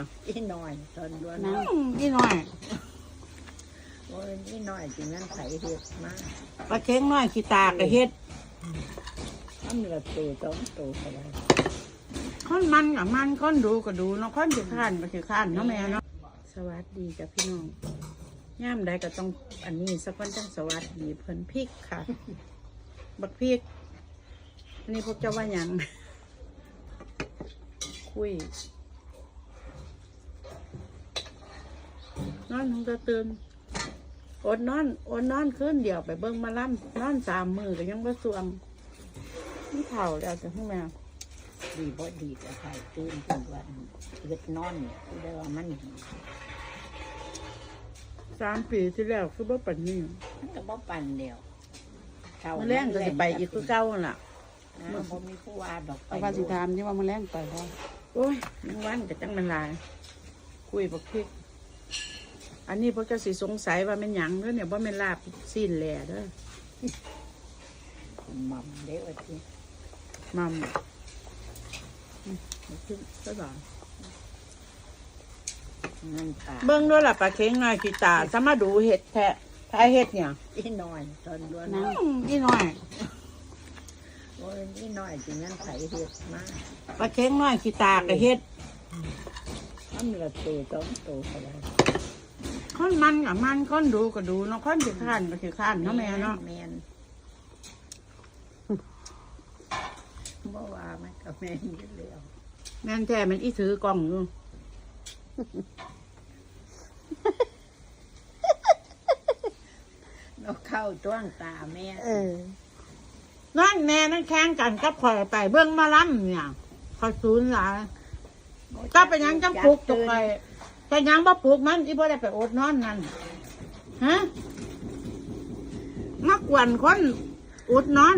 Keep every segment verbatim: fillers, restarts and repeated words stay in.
อีน้อยตอนด้วนน้ำนี่หน่อยโอ้ยอีน้อยจริงนั้นใส่เห็ดมากปลาเค็งน้อยขี้ตากระเฮ็ดทำเหลือตัวสองตัวก็ได้ค้อนมันกับมันค้อนดูก็ดูเนาะค้อนสิข้านก็สิข้านเนาะแม่เนาะสวัสดีจ้ะพี่น้องย่ามใดก็ต้องอันนี้สักคนจังสวัสดีเพิ่นพริกค่ะ บักพริกอันนี้พวกเจ้าว่าหยัง คุยนอนคงจะตื่นอดนอนอดนอนขึ้นเดี๋ยวไปเบิ่งมาล่ำนอนสามมือก็ยังบ่สวงนี่เผาแล้วจ้ะพี่แม่ดีบ่ดีแต่ใครตื่นทุกวันเล็ดนอนเนี่ยคือได้ว่ามันสามปีที่แล้วคือบ่ปันนี้มันก็บ่ปั่นเดียวมาแรงก็จะไปอีกคือเก่าหั่นล่ะนะบ่มีผู้ว่าดอกไปเอาว่าสิถามที่ว่ามาแรงไปบ่โอ้ยยังวันก็จังมันหลาย คุยบักพริก อันนี้พวกเจ้าสิสงสัยว่าแม่นหยังเด้อเนี่ยบ่แม่นลาบซีนแหล่เด้อหม่อมเด้อที่มัมอืมบักพริกก็ดอกนั่นค่ะเบิ่งด้วยล่ะปลาเค็งน้อยขี้ตาสมาดูเห็ดแท้พายเห็ดเนี่ยอีน้อยตอนด้วนน้ำนี่หน่อยโอ้ยอีน้อยจริงนั้นใส่เห็ดมากปลาเค็งน้อยขี้ตากระเฮ็ดทำเหลือตัวสองตัวก็ได้ค้อนมันกับมันค้อนดูก็ดูเนาะค้อนสิข้านก็สิข้านเนาะแม่เนาะแม่นบ่ว่ามันก็แม่นอยู่แล้วแม่นแท้มันอีถือกล้องอยู่เราเข้าจ้วงตาแม่เออนั่นแม่นั่นแข่งกันกับข่อยไปเบิ่งมาล้ำเนี่ยข่อยศูนย์หลายก็เป็นหยังจังปลุกตกไปแต่ยังบ่ปลุกมันอีบ่ได้ไปอดนอนนั่นฮะมักวนคนอดนอน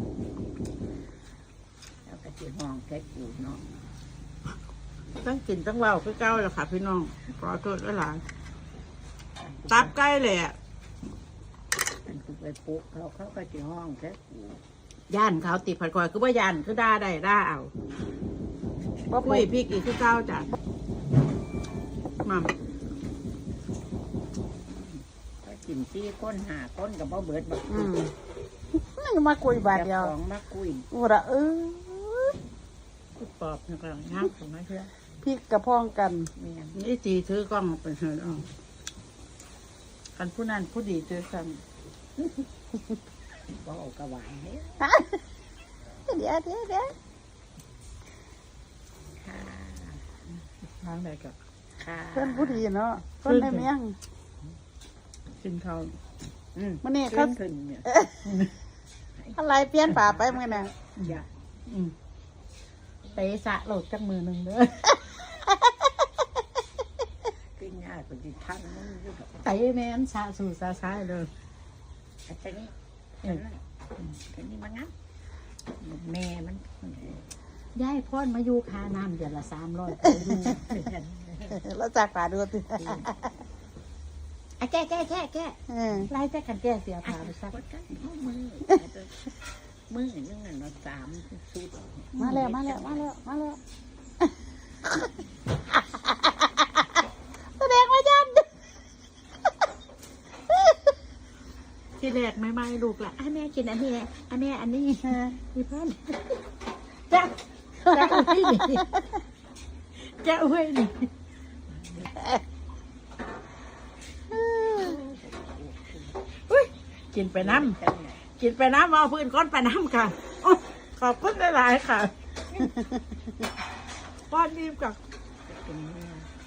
แล้วก็สิห้องแค่กูเนาะตั้งกินตั้งเว้าคือเก่าแล้วค่ะพี่น้องขอโทษหลายๆตับใกล้เลยอ่ะมันกูไปปลุกเขาเขาก็สิห้องแค่กูย่านเขาติดผัดคอยคือว่าย่านคือด่าได้ด่าเอาบ่คุยพริกอีกคือเก่าจ้ะมัมก็กินซี่ก้นหาก้นกับบ่เบิดบักอืมนั่นมาคุยบาทเดียวของมาคุยอุระเออกูปอบนี่ก็งามของไอ้เพื่อพริกกระพ้องกันแม่นนี่ตีถือกล้องไปเถอะเอาคันผู้นั้นผู้ดีถือกันบ่เอากระหวายเด้อเดี๋ยวเดี๋ยวเดี๋ยวค่ะทางใดก็ค่ะเพื่อนผู้ดีเนาะเพื่อนในเมียงกินข้าวอืมมื่อนี้ขึ้เขานขึ้นเนี่ยอะไรเปลี่ยนป่าไปมื่อน่ะอย่าอืมไปสะโหลดจักมือหนึ่งเด้อขึ้นยากกว่าที่ทั้งมึงอยู่ดอกไปแม่นสะสู่สะซ้ายเลยอันนี้อันนั้นอันนี้มันงั้นแม่มันย้ายพ่อนมาอยู่คาน้ำเดือนละสามร้อยไปดูแล้วจากป่าดูติไอ้แก่แก่แก่แก่เออไล่แต่กันแก่เสียผ่าไปซักก็ได้มือมือนึงน่ะเนาะสามสุดมาแล้วมาแล้วมาแล้วมาแล้วแสดงว่ายันที่แรกไม่ไม่ลูกละอ่ะแม่กินอันนี้อันนี้อันนี้มีเพื่อนจ้าจ้าอุ้ยนี่จ้าอุ้ยนี่อุ้ยกินไปน้ำกินไปน้ำเอาพื้นก้อนไปน้ำค่ะโอ้ขอบคุณหลายๆค่ะป้อนนิ่มกับเป็นแม่ค